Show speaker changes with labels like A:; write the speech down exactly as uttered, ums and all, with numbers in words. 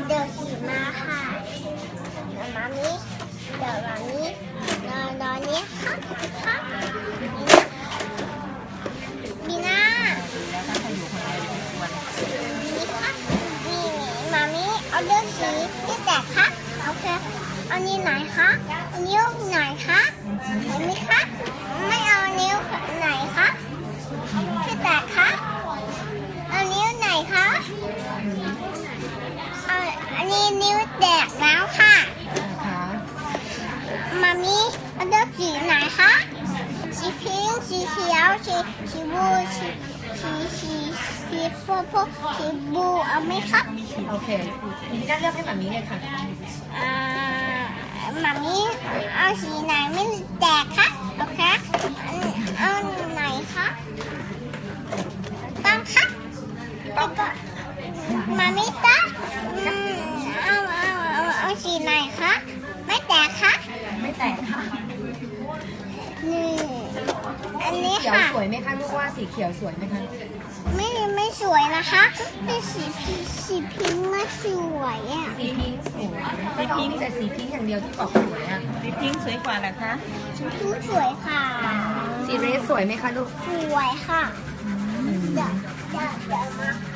A: เดี๋ยวสีมาค่ะเดี๋ยวมามิเดี๋ยวมามินอนนอนนี้ค่ะค่ะบีน่า
B: แล้วถ้าใครอยู่คนเดียวจะชวน
A: นี่ค่ะนี่มามิเอาเลือกสีที่แตกค่ะโอเคเอานิ้วไหนคะนิ้วไหนคะเห็นไหมคะไม่เอานิ้วไหนคะที่แตกคะเอานิ้วไหนคะเอาอันนี้นิ้วแตกแล้วค่ะ
B: นะคะ
A: มามิเอาเลือกสีไหนคะสีพิงค์สีเขียวสีสีบลูสีสีสีสีโพโพสีบลูเอาไหมคะ
B: โอเคพี่น่าเลือกให้แบบนี้เลยค่ะ
A: อ่ามามิเอาสีไหนไม่แตกคะโอเคเอาไหนคะต้องคะต้องก็มามิตาอืมเอาเอาเอาเอาสีไหนคะไม่แตกคะ
B: ไม่แตกค่ะ
A: นี่อันนี้
B: เขียว
A: ค่ะ
B: สวยไหมคะลูกว่าสีเขียวสวยไหมคะ
A: ไม่ไม่สวยนะคะเป็นสีพิงสีพิงค์ไม่สวยอ่ะ
B: สีพิงค์สวยสีพิงค์แต่สีพิงค์อย่างเดียวที่บอกสวยอ่ะ
C: สีพิงค์สวยกว่าเหรอคะ
A: สีพิงค์สวยค่ะ
B: สีเรสสวยไหมคะลูก
A: สวยค่ะเดี๋ยวเดี๋ยวเดี๋ยวมา